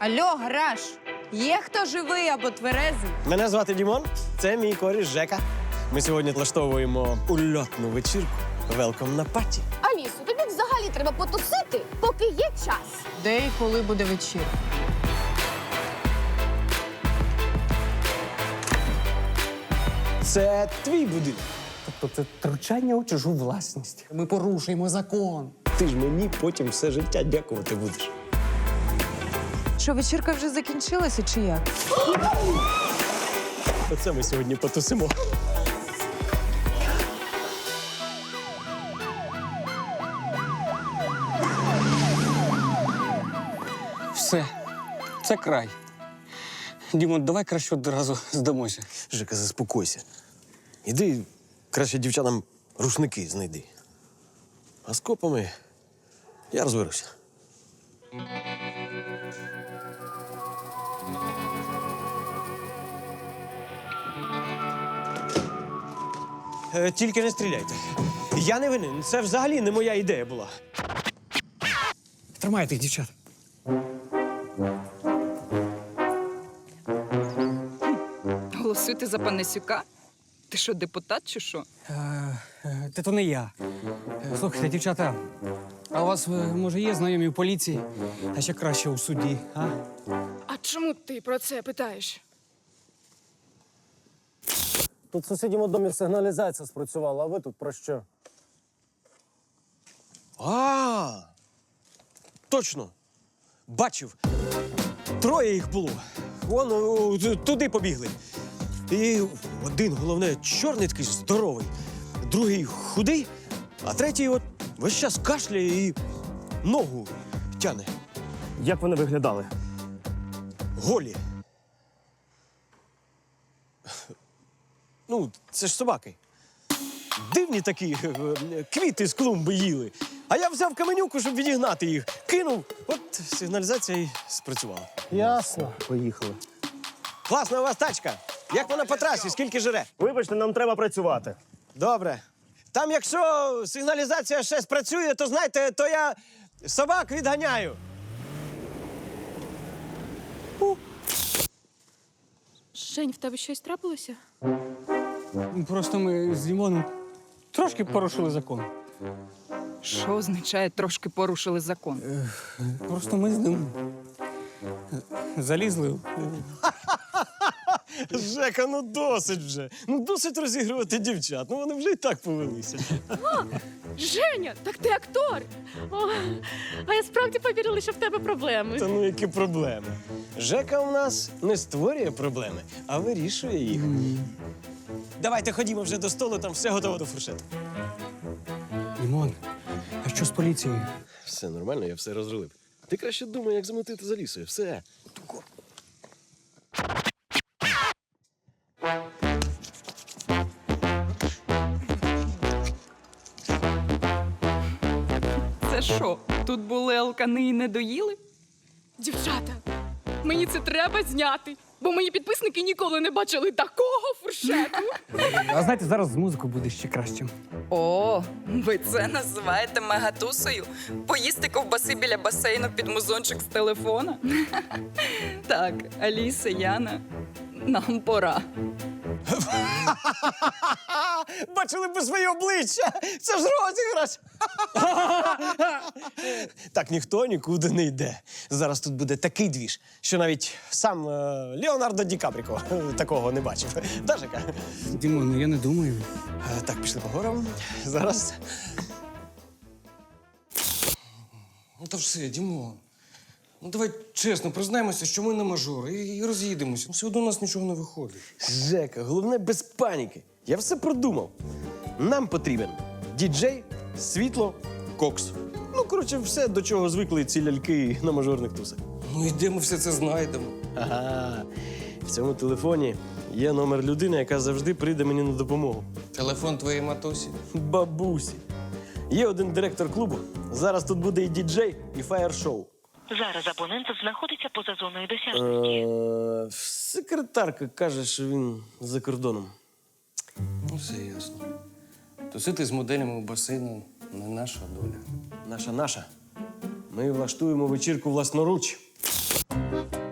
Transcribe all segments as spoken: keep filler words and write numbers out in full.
Алло, гараж! Є хто живий або тверезий? Мене звати Дімон, це мій коріш Жека. Ми сьогодні влаштовуємо ульотну вечірку. Велком на паті. Алісо, тобі взагалі треба потусити, поки є час. Де і коли буде вечірка? Це твій будинок. Тобто це втручання у чужу власність. Ми порушуємо закон. Ти ж мені потім все життя дякувати будеш. Що, вечірка вже закінчилася чи як? Оце ми сьогодні потусимо. Все, це край. Дімон, давай краще одразу здамося. Жека, заспокойся. Іди краще дівчатам рушники знайди. А з копами я розберуся. Е, тільки не стріляйте. Я не винен. Це взагалі не моя ідея була. Тримай тих дівчат. Голосуйте за Панасюка? Ти що, депутат чи що? Е, е, Та то не я. Е, Слухайте, дівчата, а у вас, е, може, є знайомі в поліції, а ще краще у суді, а? А чому ти про це питаєш? Тут в сусідньому домі сигналізація спрацювала, а ви тут про що? А, точно. Бачив. Троє їх було. Вон о, т- туди побігли. І один, головне, чорний такий здоровий, другий худий, а третій от весь час кашляє і ногу тяне. Як вони виглядали? Голі. Ну, це ж собаки. Дивні такі, е, квіти з клумби їли. А я взяв каменюку, щоб відігнати їх. Кинув, от сигналізація і спрацювала. Ясно. Поїхали. Класна у вас тачка. Як вона по трасі, скільки жре? Вибачте, нам треба працювати. Добре. Там, якщо сигналізація ще спрацює, то знаєте, то я собак відганяю. Жень, в тебе щось трапилося? Просто ми з Дімоном трошки порушили закон. Що означає трошки порушили закон? Просто ми з ним залізли. Жека, ну досить вже. Ну досить розігрувати дівчат. Ну вони вже і так повелися. Женя, так ти актор! О, а я справді повірила, що в тебе проблеми. Та ну які проблеми? Жека у нас не створює проблеми, а вирішує їх. Давайте ходімо вже до столу, там все готово до фуршету. Дімон, а що з поліцією? Все нормально, я все розрулив. Ти краще думай, як замотити за лісою. Все. Це що, тут були алкани і не доїли? Дівчата, мені це треба зняти, бо мої підписники ніколи не бачили такого фуршету. А знаєте, зараз з музикою буде ще краще. О, ви це називаєте мегатусою? Поїсти ковбаси біля басейну під музончик з телефона? Так, Аліса, Яна, нам пора. Бачили б своє обличчя! Це ж розіграш! Так ніхто нікуди не йде. Зараз тут буде такий двіж, що навіть сам е, Леонардо Ді Капріко такого не бачив. Да, Жека? Дімон, ну я не думаю. Е, Так, пішли по горам. Зараз. Ну та все, Дімон. Ну давай чесно, признаємося, що ми не мажори і, і роз'їдемося. Все одно у нас нічого не виходить. Жека, головне без паніки. Я все продумав. Нам потрібен діджей, світло, кокс. Ну, коротше, все, до чого звикли ці ляльки на мажорних тусах. Ну і де ми все це знайдемо? Ага. В цьому телефоні є номер людини, яка завжди прийде мені на допомогу. Телефон твоєї матусі. Бабусі. Є один директор клубу. Зараз тут буде і діджей, і фаєр-шоу. Зараз абонент знаходиться поза зоною досяжності. Е, Секретарка каже, що він за кордоном. Ну, все ясно. Тусити з моделями у басейну не наша доля. Наша наша. Ми влаштуємо вечірку власноруч.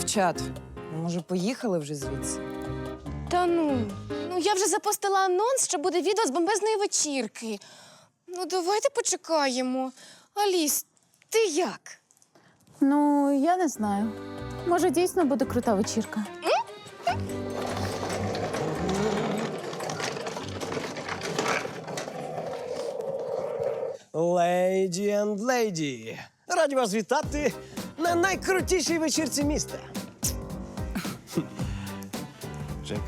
Дівчат, може, поїхали вже звідси? Та ну, ну я вже запостила анонс, що буде відео з бомбезної вечірки. Ну, давайте почекаємо. Аліс, ти як? Ну, я не знаю. Може, дійсно буде крута вечірка. Леді енд леді. Раді вас вітати на найкрутішій вечірці міста. Жек.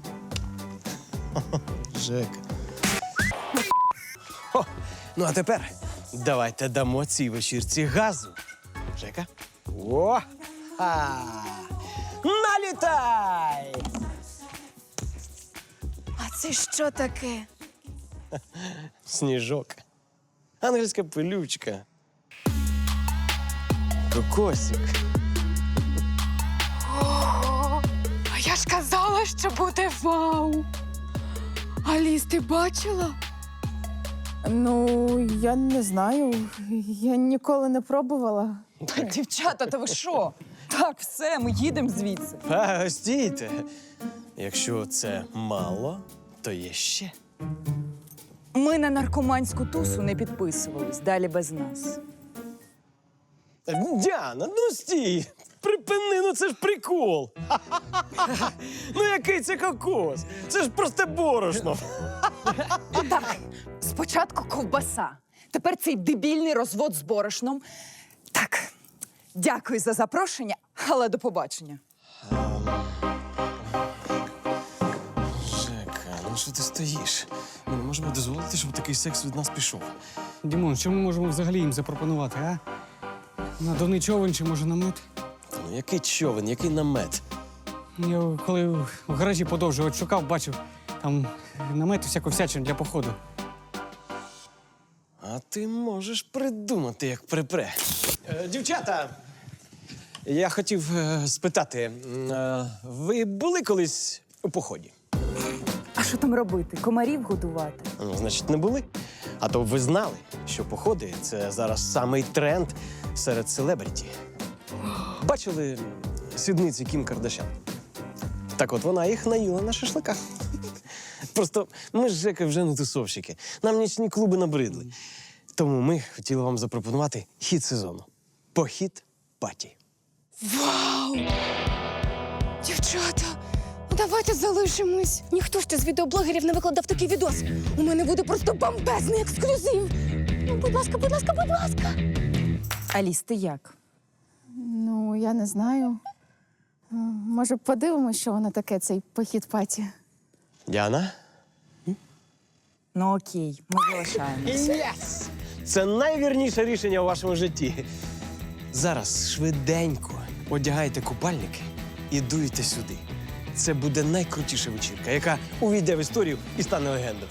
Жек. О, ну а тепер давайте дамо цій вечірці газу. Жека. О! А! Налітай! А це що таке? Сніжок. Ангельська пилючка. Кокосик. А я ж казала, що буде вау. Аліс, ти бачила? Ну, я не знаю. Я ніколи не пробувала. Дівчата, та ви що? Так, все, ми їдемо звідси. А, стійте. Якщо це мало, то є ще. Ми на наркоманську тусу не підписувались, далі без нас. Діана, ну стій! Припини, ну це ж прикол. Ха-ха-ха. Ну який це кокос? Це ж просто борошно. Так, спочатку ковбаса, тепер цей дебільний розвод з борошном. Так, дякую за запрошення, але до побачення. Жека, ну що ти стоїш? Ми не можемо дозволити, щоб такий секс від нас пішов. Дімон, що ми можемо взагалі їм запропонувати, а? Надувний човен чи може намет? Та ну який човен, який намет? Я коли в гаражі подовжував, шукав, бачив, там намет і всяку всячину для походу. А ти можеш придумати, як припре. Е, дівчата, я хотів е, спитати, м, е, ви були колись у поході? А що там робити? Комарів годувати? Ну, значить, не були. А то б ви знали, що походи – це зараз самий тренд серед селебріті. Бачили сідниці Кім Кардашян? Так от вона їх наїла на шашликах. Просто ми з Жекою вже не тусовщики. Нам нічні клуби набридли. Тому ми хотіли вам запропонувати хіт сезону. Похід паті. Вау! Дівчата, ну давайте залишимось. Ніхто ще з відеоблогерів не викладав такий відос. У мене буде просто бомбезний ексклюзив. Ну, будь ласка, будь ласка, будь ласка. Аліс, ти як? Ну, я не знаю. Е, Може, подивимось, що воно таке, цей похід паті. Діана? Ну окей, ми залишаємося. Єс! Це найвірніше рішення у вашому житті. Зараз швиденько одягайте купальники і дуйте сюди. Це буде найкрутіша вечірка, яка увійде в історію і стане легендою.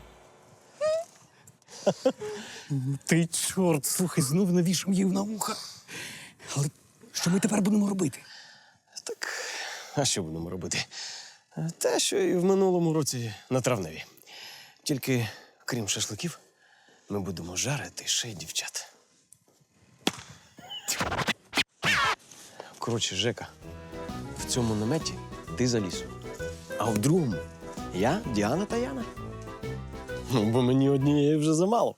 Ти чорт, слухай, знов навішав її на вуха. Але що ми тепер будемо робити? Так, а що будемо робити? Те, що і в минулому році на травневі. Тільки, крім шашликів, ми будемо жарити ще й дівчат. Коротше, Жека, в цьому наметі ти за лісом. А в другому я, Діана та Яна. Ну, бо мені однієї вже замало.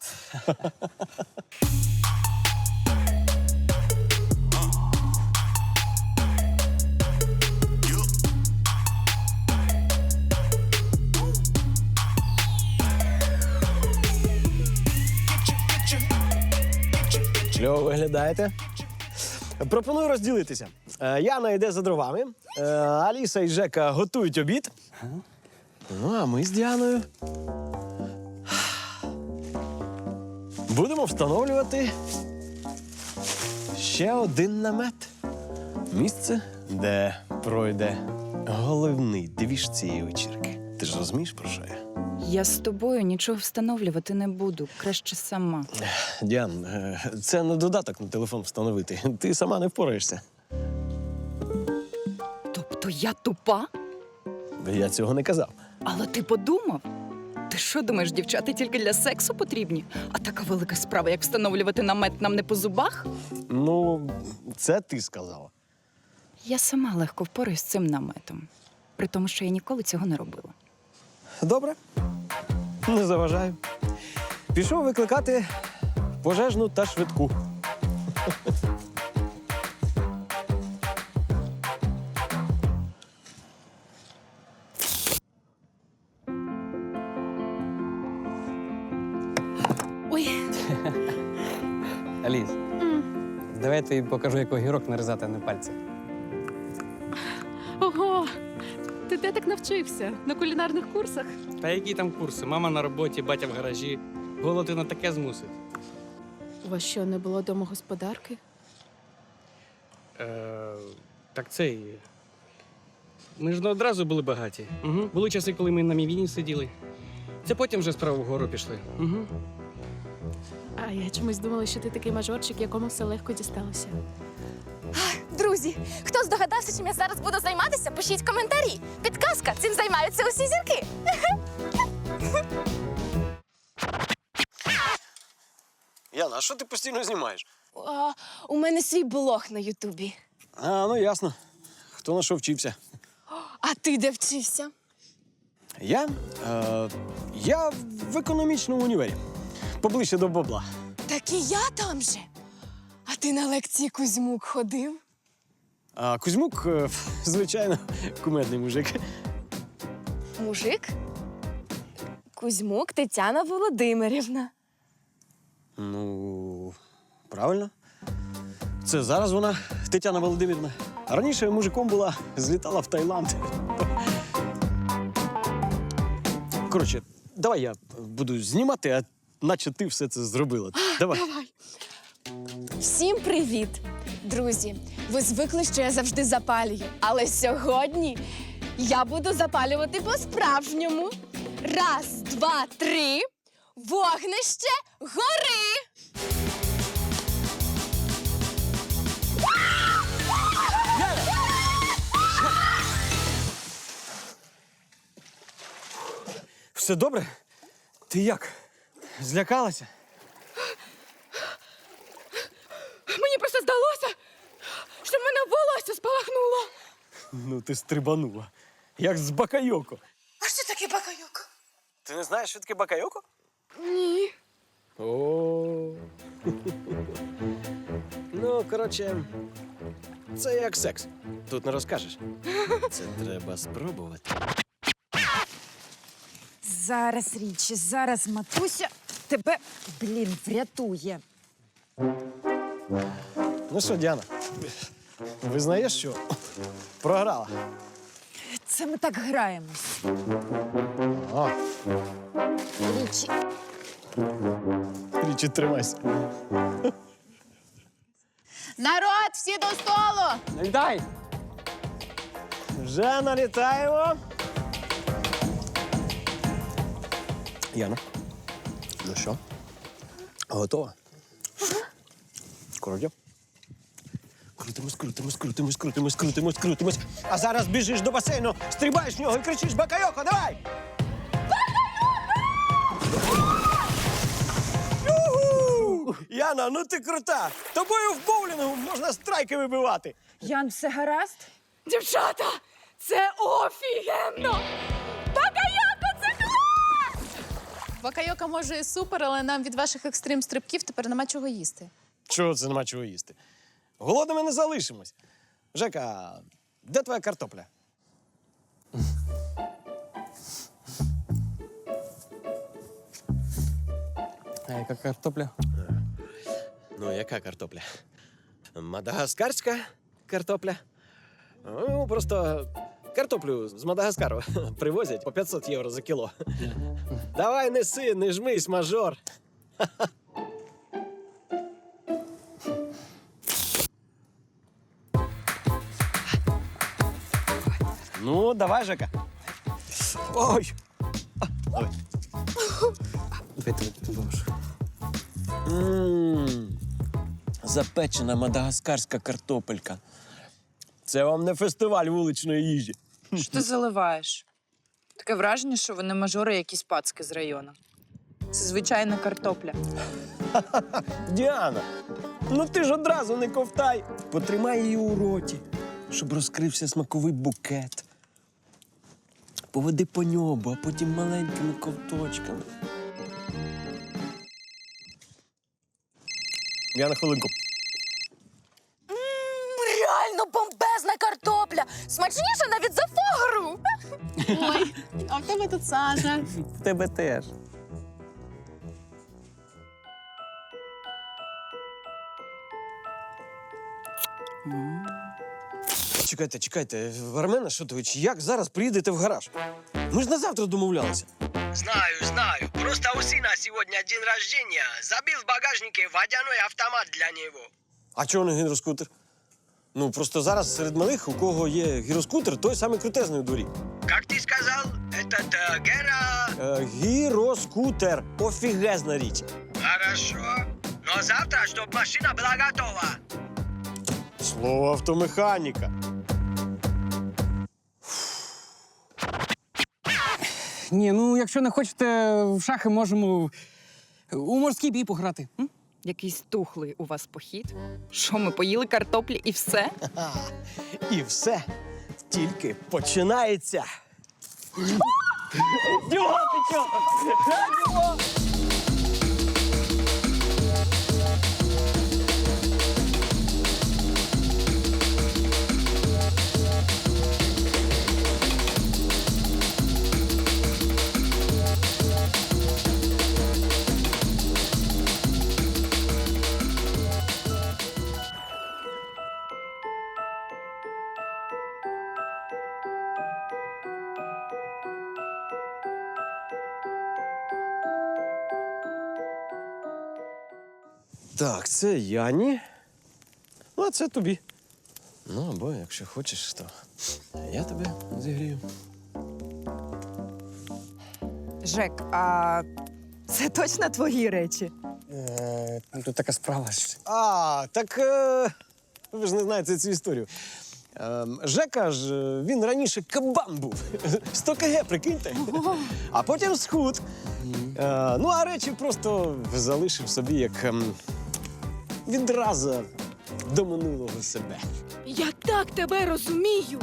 Чого виглядаєте? Пропоную розділитися. Е, Яна йде за дровами, е, Аліса і Жека готують обід. Ну, а ми з Діаною будемо встановлювати ще один намет. Місце, де пройде головний двіж цієї вечірки. Ти ж розумієш, про що я? Я з тобою нічого встановлювати не буду, краще сама. Діан, е, це не додаток на телефон встановити. Ти сама не впораєшся. Тобто я тупа? Я цього не казав. Але ти подумав? Ти що думаєш, дівчата тільки для сексу потрібні? А така велика справа, як встановлювати намет, нам не по зубах? Ну, це ти сказала. Я сама легко впораюсь з цим наметом, при тому, що я ніколи цього не робила. Добре. Не заважаю. Пішов викликати пожежну та швидку. Ой, Аліс, давай я тобі покажу, як огірок нарізати, а не пальці. ого! Ти де так навчився? На кулінарних курсах? Та які там курси? Мама на роботі, батя в гаражі. Голод і на таке змусить. У вас що, не було домогосподарки? Е, так це і. Ми ж не одразу були багаті. Угу. Були часи, коли ми на мівіні сиділи. Це потім вже справа вгору пішли. Угу. А я чомусь думала, що ти такий мажорчик, якому все легко дісталося. Друзі, хто здогадався, чим я зараз буду займатися, пишіть коментарі. Підказка, цим займаються усі зірки. Яна, а що ти постійно знімаєш? А, у мене свій блог на Ютубі. А, ну ясно. Хто на що вчився? А ти де вчився? Я? Е, я в економічному універі. Поближче до бабла. Так і я там же. А ти на лекції Кузьмук ходив? А Кузьмук, е, звичайно, кумедний мужик. Мужик? Кузьмук Тетяна Володимирівна. Ну, правильно. Це зараз вона, Тетяна Володимирівна. А раніше мужиком була, злітала в Таїланд. Коротше, давай я буду знімати, а наче ти все це зробила. Давай. Всім привіт! Друзі, ви звикли, що я завжди запалюю. Але сьогодні я буду запалювати по-справжньому. Раз, два, три. Вогнище гори! Все добре? Ти як? Злякалася? Мені просто здалося, що в мене волосся спалахнуло. Ну, ти стрибанула. Як з бакайоко. А що таке бакайоко? Ти не знаєш, що таке бакайоко? Ні. О. Ну, коротше, це як секс. Тут не розкажеш. Це треба спробувати. Зараз, Річі, зараз матуся тебе, блін, врятує. Ну що, Діана, визнаєш, що програла? Це ми так граємось. О, Річі, Річі, тримайся. Народ, всі до столу! Дай! Вже налітаємо. Яна, ну що, готова? Крутимо. Крутимось, крутимось, крутимось, крутимось, крутимось, крутимось. А зараз біжиш до басейну, стрибаєш в нього і кричиш «Бакайоко, давай!» Юху! Яна, ну ти крута! Тобою в боулінгу можна страйки вибивати. Ян, все гаразд? Дівчата, це офігенно! Бакайоко, це клас! Бакайока може і супер, але нам від ваших екстрим-стрибків тепер нема чого їсти. Чого це нема чого їсти? Голодними не залишимось. Жека, де твоя картопля? А яка картопля? Ну, яка картопля? Мадагаскарська картопля. Ну, просто картоплю з Мадагаскару привозять по п'ятсот євро за кіло. Давай неси, не жмись, мажор. Ну, давай, Жека. Ой. А, давай. Давай, давай, давай. Ммм, запечена мадагаскарська картопелька. Це вам не фестиваль вуличної їжі. Що ти заливаєш? Таке враження, що вони мажори якісь пацки з району. Це звичайна картопля. Діана, ну ти ж одразу не ковтай. Потримай її у роті. щоб розкрився смаковий букет. Поведи по ньому, а потім маленькими ковточками. Я на хвилинку. Реально бомбезна картопля! Смачніша навіть за фогру! Ой, а в тебе тут сажа. В тебе теж. Чекайте, чекайте, Армен Ашотович, як зараз приїдете в гараж? Ми ж на завтра домовлялися. Знаю, знаю. Просто у сына сегодня день рождения. Забил в багажнике водяной автомат для него. А чого не гіроскутер? Ну, просто зараз серед малих, у кого є гіроскутер, той самий крутезний у дворі. Как ты сказал, этот э, Гера... Е, гіроскутер. Офігезна річ. Хорошо. Но завтра, чтобы машина была готова. Слово автомеханіка. Ні, ну якщо не хочете в шахи, можемо у морський бій пограти. М? Якийсь тухлий у вас похід. Що, ми поїли картоплі і все? А, і все тільки починається. Чого ти чого? Так, це Яні. Ну, а це тобі. Ну, або якщо хочеш, то я тебе зігрію. Жек, а це точно твої речі? Е, тут така справа. ж. А, так е, ви ж не знаєте цю історію. Е, Жека ж, е, він раніше кабан був. сто кілограмів, прикиньте. А потім схуд. Е, ну, а речі просто залишив собі як ем, відразу до минулого себе. Я так тебе розумію.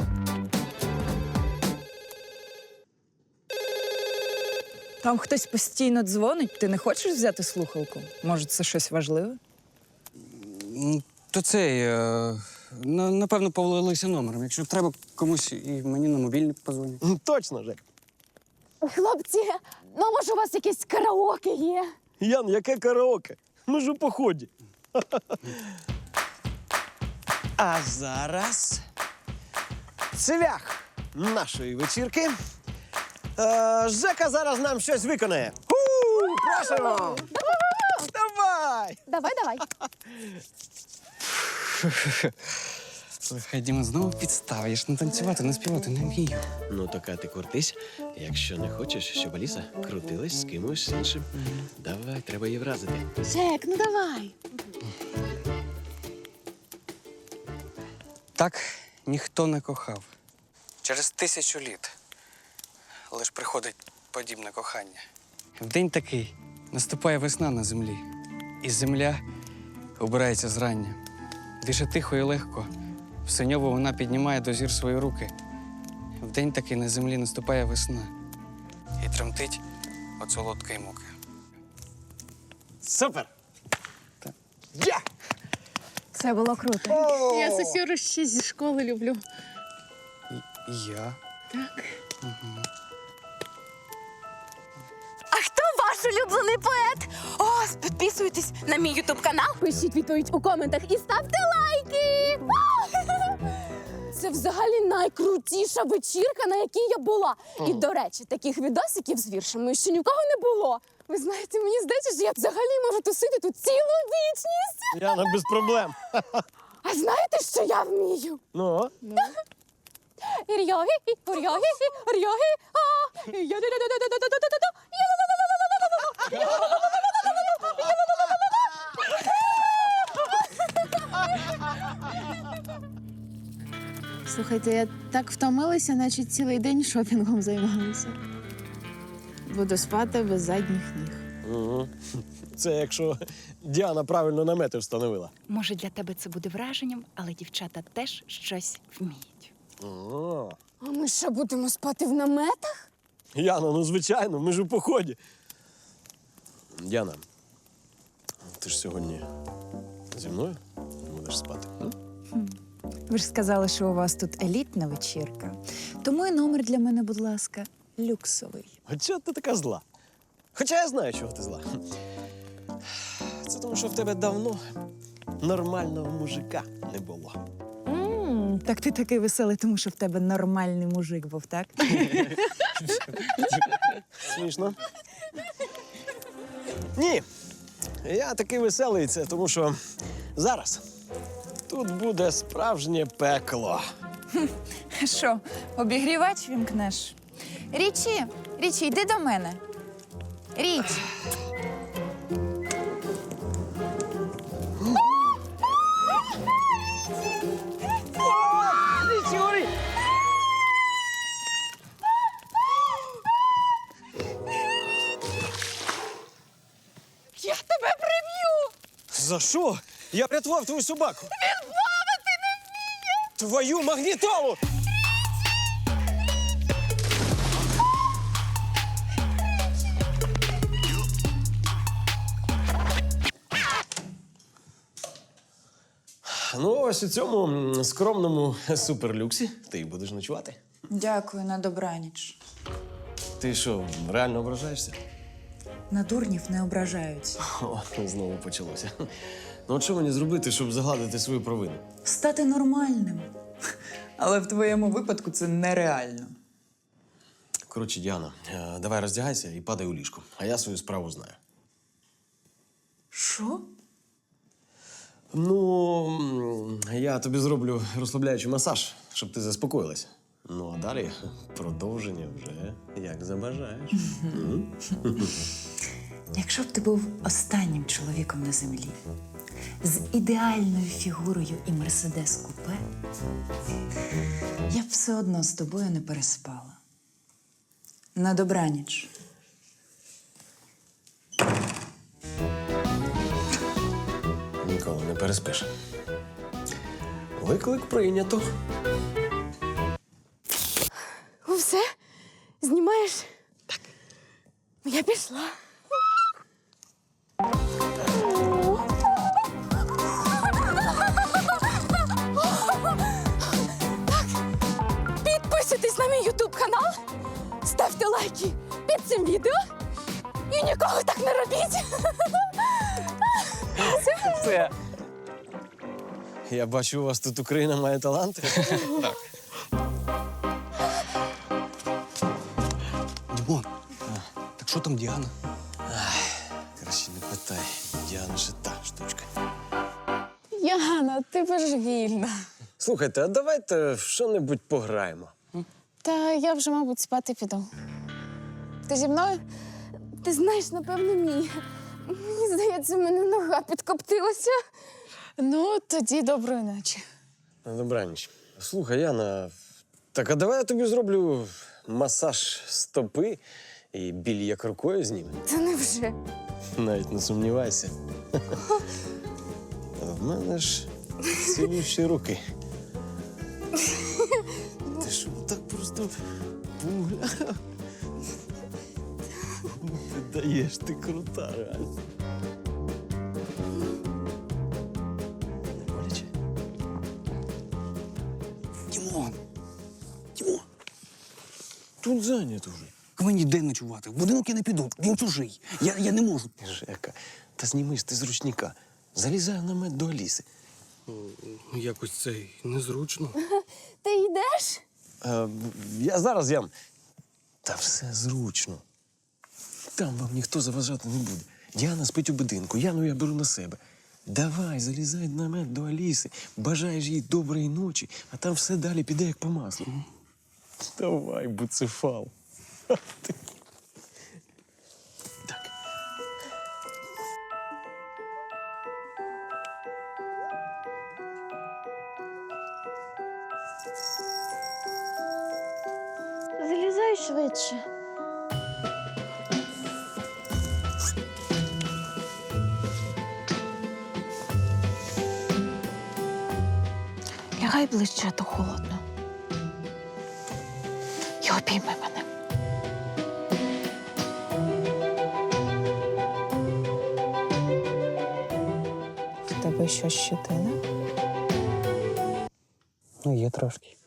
Там хтось постійно дзвонить, ти не хочеш взяти слухалку? Може, це щось важливе? М, То цей, е, на- напевно, повалилися номером. Якщо треба комусь і мені на мобільний позвонять. М, Точно, Жек. Хлопці, ну може у вас якесь караоке є? Ян, яке караоке? Ми ж у поході. А зараз цвях нашої вечірки. Е, Жека зараз нам щось виконає. Ху, просимо! Давай! Давай, давай. Слухай, Діма, знову підстава. Я ж не танцювати, не співати не вмію. Ну, так а ти крутись, якщо не хочеш, щоб Аліса крутилась з кимось іншим. Давай, треба її вразити. Жек, ну давай. Так ніхто не кохав. Через тисячу літ лиш приходить подібне кохання. В день такий наступає весна на землі, і земля обирається зрання. Дише тихо і легко, в синьово вона піднімає до зір свої руки. В день такий на землі наступає весна і тремтить від солодкої муки. Супер! Так. Я! Це було круто. Я Сосюру ще зі школи люблю. І я. А хто ваш улюблений поет? О, підписуйтесь на мій ютуб канал, пишіть відповідь у коментах і ставте лайки. Це взагалі найкрутіша вечірка, на якій я була. І, до речі, таких відосиків з віршами ще ні в кого не було. Ви знаєте, мені здається, що я взагалі можу тусити тут цілу вічність. Яна, без проблем. А знаєте, що я вмію? Ну, Ір'яги, ір'яги, ір'яги, а, я-да-да-да-да-да-да-да-да-да, Слухайте, я так втомилася, наче цілий день шопінгом займалася. Буду спати без задніх ніг. Угу. Це якщо Діана правильно намети встановила. Може, для тебе це буде враженням, але дівчата теж щось вміють. О, А ми що, будемо спати в наметах? Яна, ну звичайно, ми ж у поході. Діана, ти ж сьогодні зі мною будеш спати? м? Ви ж сказали, що у вас тут елітна вечірка. Тому і номер для мене, будь ласка, люксовий. А чого ти така зла? Хоча я знаю, чого ти зла. Це тому, що в тебе давно нормального мужика не було. м так ти такий веселий, тому що в тебе нормальний мужик був, так? Смішно. Ні. Я такий веселий, це тому що зараз тут буде справжнє пекло. Що, обігрівач вімкнеш? Річі, Річі, йди до мене. Річ. Я тебе приб'ю! За що? Я врятував твою собаку. Він плавати не вміє! Твою магнітолу! Ну, ось у цьому м, скромному суперлюксі ти й будеш ночувати. Дякую, на добраніч. Ти що, реально ображаєшся? На дурнів не ображаються. О, знову почалося. Ну, от що мені зробити, щоб загладити свою провину? Стати нормальним. Але в твоєму випадку це нереально. Коротше, Діана, е, давай роздягайся і падай у ліжко. А я свою справу знаю. Що? Ну, м, я тобі зроблю розслабляючий масаж, щоб ти заспокоїлася. Ну, а далі продовження вже як забажаєш. М? Якщо б ти був останнім чоловіком на землі, з ідеальною фігурою і мерседес купе, я б все одно з тобою не переспала. На добраніч. Ніколи не переспиш. Виклик прийнято. Ну все? Знімаєш? Так. Я пішла. Так, підписуйтесь на мій ютуб канал, ставте лайки під цим відео і ніколи так не робіть. Це. Я бачу, у вас тут Україна має таланти. Дімон, так що там Діана? Краще не питай. Діана же та штучка. Яна, ти божевільна. Слухайте, а давайте в що-небудь пограємо. Та я вже, мабуть, спати піду. Ти зі мною? Ти знаєш, напевно, ні. Мені здається, в мене нога підкоптилася. Ну, тоді доброї ночі. На добраніч. Слухай, Яна, так а давай я тобі зроблю масаж стопи і біль як рукою зніме. Та невже? Навіть не сумнівайся. А в мене ж цілющі руки. Ти що, так просто пугля? Ти даєш, ти крута, реально. Не боляче? Дімон! Дімон! Тут зайнято вже. Мені де ночувати? В будинок я не піду, він чужий. Я, я не можу. Жека, та знімись ти з ручника. Залізай в намет до Аліси. Якось це незручно. Ти йдеш? Е, я зараз ям. Та все зручно. Там вам ніхто заважати не буде. Діана спить у будинку, Яну я беру на себе. Давай, залізай в намет до Аліси, бажаєш їй доброї ночі, а там все далі піде як по маслу. Давай, буцефал. Так. Залізай швидше. Підступай ближче, а то холодно. І обійми мене. В тебе що, щетина? Ну, є трошки.